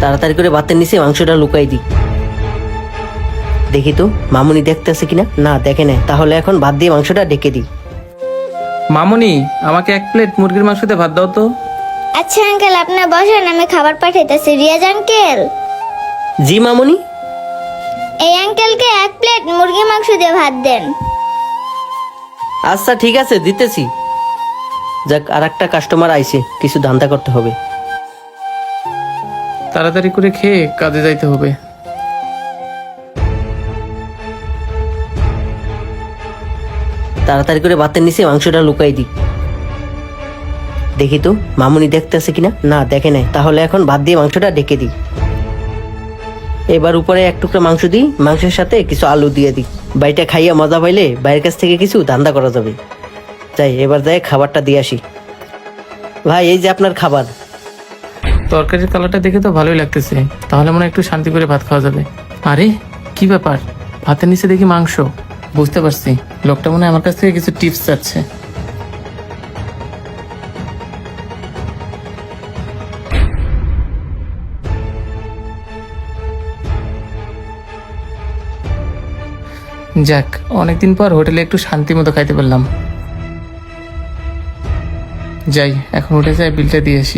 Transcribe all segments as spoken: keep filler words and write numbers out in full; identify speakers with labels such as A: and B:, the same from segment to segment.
A: তাড়াতাড়ি করে ভাতের নিচে মাংসটা লুকাই দিই। দেখি তো মামুনি দেখতেছে কিনা। না, দেখে নেয়। তাহলে এখন ভাত দিয়ে মাংসটা ঢেকে দিই।
B: মামুনি, আমাকে এক প্লেট মুরগির মাংস দিয়ে ভাত দাও তো।
C: আচ্ছা আঙ্কেল, আপনার বসেন, আমি খাবার পাঠাইতেছি। রিয়াজ আঙ্কেল,
A: জি মামুনি।
C: এই আঙ্কেলকে এক প্লেট মুরগি মাংস দিয়ে ভাত দেন।
A: আচ্ছা ঠিক আছে, দিতেছি। যাক, আর একটা কাস্টমার আইছে, কিছু ধান্দা করতে হবে।
B: তাড়াতাড়ি করে খেয়ে কাজে যাইতে হবে।
A: তাড়াতাড়ি করে ভাতের নিচে মাংসটা লুকাই দিই। দেখি তো মামুনি দেখতেছে কিনা। না, দেখে নেয়। তাহলে এখন ভাত দিয়ে মাংসটা ঢেকে দিই। এবার উপরে এক টুকরা মাংস দিই, মাংসের সাথে কিছু আলু দিয়ে দিই। বাইটা খাইয়া মজা পাইলে বাইরের কাছ থেকে কিছু ধান্দা করা যাবে। যাই, এবার যাই খাবারটা দিয়ে আসি। ভাই, এই যে আপনার খাবার।
B: তরকারির কালারটা দেখে তো ভালোই লাগতেছে, তাহলে মনে হয় একটু শান্তি করে ভাত খাওয়া যাবে। আরে কি ব্যাপার, ভাতের নিচে দেখি মাংস। বুঝতে পারছি, লোকটা মনে হয় আমার কাছ থেকে কিছু টিপস চাচ্ছে। যাক, অনেকদিন পর হোটেলে একটু শান্তি মতো খাইতে পারলাম। যাই, এখন উঠে যাই, বিলটা দিয়ে আসি।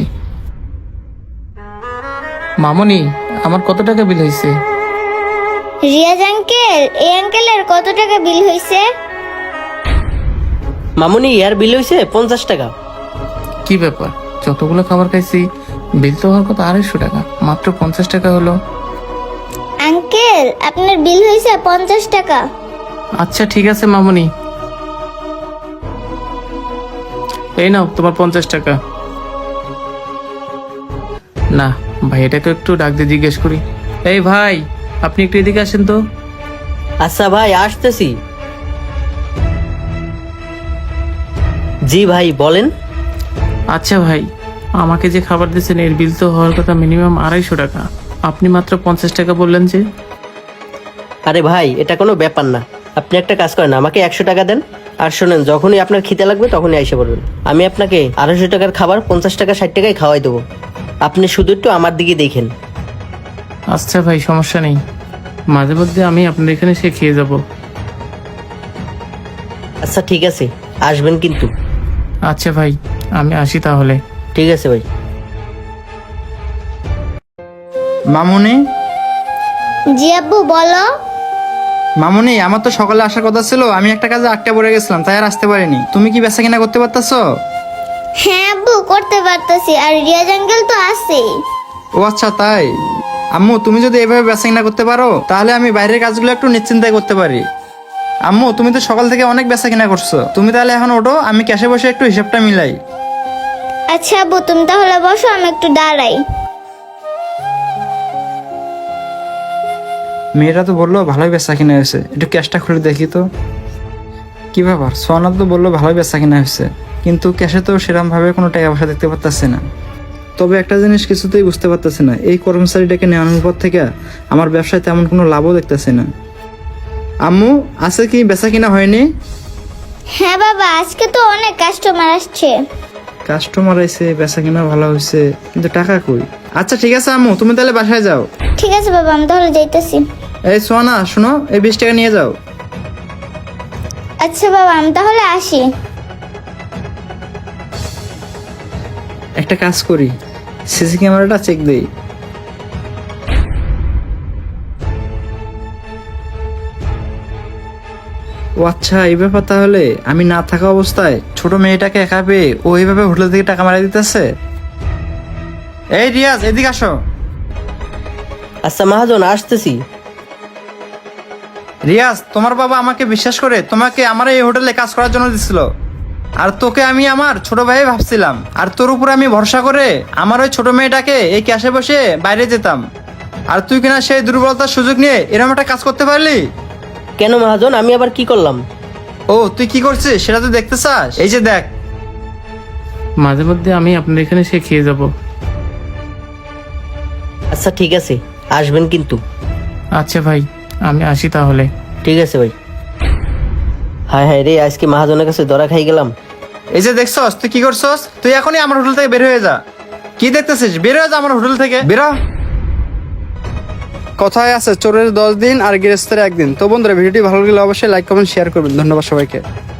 B: মামুনি, আমার কত টাকা বিল হয়েছে?
C: রিয়াজ আঙ্কেল, এই আঙ্কেলের কত টাকা বিল হয়েছে?
A: মামুনি, ইয়ার বিল হয়েছে পঞ্চাশ টাকা।
B: কি ব্যাপার, যতগুলো খাবার খাইছি বিল তো হওয়ার কথা আড়াইশো টাকা, মাত্র পঞ্চাশ টাকা হলো।
C: আঙ্কেল, আপনার বিল হয়েছে পঞ্চাশ টাকা।
B: আচ্ছা ঠিক আছে মামুনি, এই নাও তোমার পঞ্চাশ টাকা। না ভাই, এটাকে একটু ডাক দিয়ে জিজ্ঞেস করি। এই ভাই, আপনি একটু এদিকে আসেন তো।
A: আচ্ছা ভাই, আসতেছি। জি ভাই, বলেন।
B: আচ্ছা ভাই, আমাকে যে খাবার দিয়েছেন এর বিল তো হওয়ার কথা মিনিমাম আড়াইশো টাকা, আপনি মাত্র পঞ্চাশ টাকা বললেন যে?
A: আরে ভাই, এটা কোনো ব্যাপার না। আপনি একটা কাজ করেন, আমাকে একশো টাকা দেন। আর শোনেন, যখনই আপনার খিদে লাগবে তখনই এসে পড়বেন। আমি আপনাকে আড়াইশো টাকার খাবার পঞ্চাশ টাকা ষাট টাকায় খাওয়াই দেবো। আপনি শুধু একটু আমার দিকে দেখেন।
B: আচ্ছা ভাই, সমস্যা নেই, মাঝে মধ্যে আমি আপনার এখানে সে খেয়ে যাব।
A: আচ্ছা ঠিক আছে, আসবেন কিন্তু।
B: আচ্ছা ভাই, আমি আসি তাহলে।
A: ঠিক আছে ভাই।
D: মামুনি,
C: জি আব্বু, বলো।
D: মামুনি, আমার তো সকালে আসার কথা ছিল, আমি একটা কাজে আটটা পড়ে গেছিলাম, তাই আর আসতে পারিনি। তুমি কি বেচা কিনা করতে পারতাছো?
C: হ্যাঁ আব্বু, করতে পারতেছি। আর রিয়াজ আঙ্কেল তো আছেই।
D: ও আচ্ছা, তাই। আম্মু, তুমি যদি এভাবে বেচা কিনা করতে পারো তাহলে আমি বাইরের কাজগুলো একটু নিশ্চিন্তায় করতে পারি। আম্মু, তুমি তো সকাল থেকে অনেক বেচা কিনা করছো, তুমি তাহলে এখন ওঠো, আমি ক্যাশে বসে একটু হিসাবটা মিলাই।
C: আচ্ছা আব্বু, তুমি তাহলে বসো, আমি একটু দাঁড়াই।
D: মেয়েরা তো বললো ভালোই বেচা কিনা হয়েছে, একটু ক্যাশটা খুলে দেখি তো। কি ব্যাপার, সোনা তো বললো ভালোই বেচা কিনা হয়েছে, কিন্তু ক্যাশে তো সেরকম ভাবে কোনো টাকা পয়সা দেখতে পারতেছে না। তবে একটা জিনিস কিছুতেই বুঝতে পারতেছে না, এই কর্মচারীটাকে নেওয়ানোর পর থেকে আমার ব্যবসায় তেমন কোনো লাভও দেখতেছে না। আম্মু, আছে কি বেচা কিনা হয়নি?
C: হ্যাঁ বাবা, আজকে তো অনেক কাস্টমার আসছে।
D: কাস্টমার আইছে, বেচা কিনা ভালো হয়েছে, কিন্তু টাকা কই? আচ্ছা ঠিক আছে আম্মু, তুমি তাহলে বাসায় যাও।
C: ঠিক আছে বাবা, আমি তাহলে যাইতেছি।
D: এই সোনা, শোনো, এই বিশ টাকা নিয়ে যাও।
C: আচ্ছা বাবা, আমি তাহলে আসি।
D: একটা কাজ করি, সিসি ক্যামেরাটা চেক দেই। ও আচ্ছা, এই ব্যাপার। তাহলে আমি না থাকা অবস্থায় ছোট মেয়েটাকে একা পেয়ে ও এইভাবে হোটেল থেকে টাকা মারা দিতেছে। এই রিয়াজ, এদিকে আসো।
A: আচ্ছা মহাজন, আসতেছি।
D: রিয়াজ, তোমার বাবা আমাকে বিশ্বাস করে তোমাকে আমার এই হোটেলে কাজ করার জন্য দিছিল, আর তোকে আমি আমার ছোট ভাই ভাবছিলাম, আর তোর উপরে আমি ভরসা করে আমার ওই ছোট মেয়েটাকে এই ক্যাশে বসে বাইরে যেতাম, আর তুই কিনা সেই দুর্বলতার সুযোগ নিয়ে এরকম একটা কাজ করতে পারলি।
A: কেন মহাজন, আমি আবার কি করলাম?
D: ও, তুই কি করছিস সেটা তুই দেখতে চাস? এই যে দেখ।
B: মাঝে মধ্যে আমি আপনার এখানে সে খেয়ে যাব।
A: আচ্ছা ঠিক আছে, আসবেন কিন্তু।
B: আচ্ছা ভাই, আমি আসি তাহলে।
A: ঠিক আছে ভাই। হায় হায় রে, আজকে মহাজনের কাছে ধরা খাই গেলাম।
D: এই যে দেখছস, তুই কি করছস? তুই এখনই আমার হোটেল থেকে বের হয়ে যা। কি দেখতেছিস? বের হয়ে যা আমার হোটেল থেকে, বেরো।
E: কথায় আছে চোরের দশ দিন আর গৃহস্থের একদিন। তো বন্ধুরা ভিডিওটি ভালো লাগলে অবশ্যই লাইক কমেন্ট শেয়ার করবেন। ধন্যবাদ সবাইকে।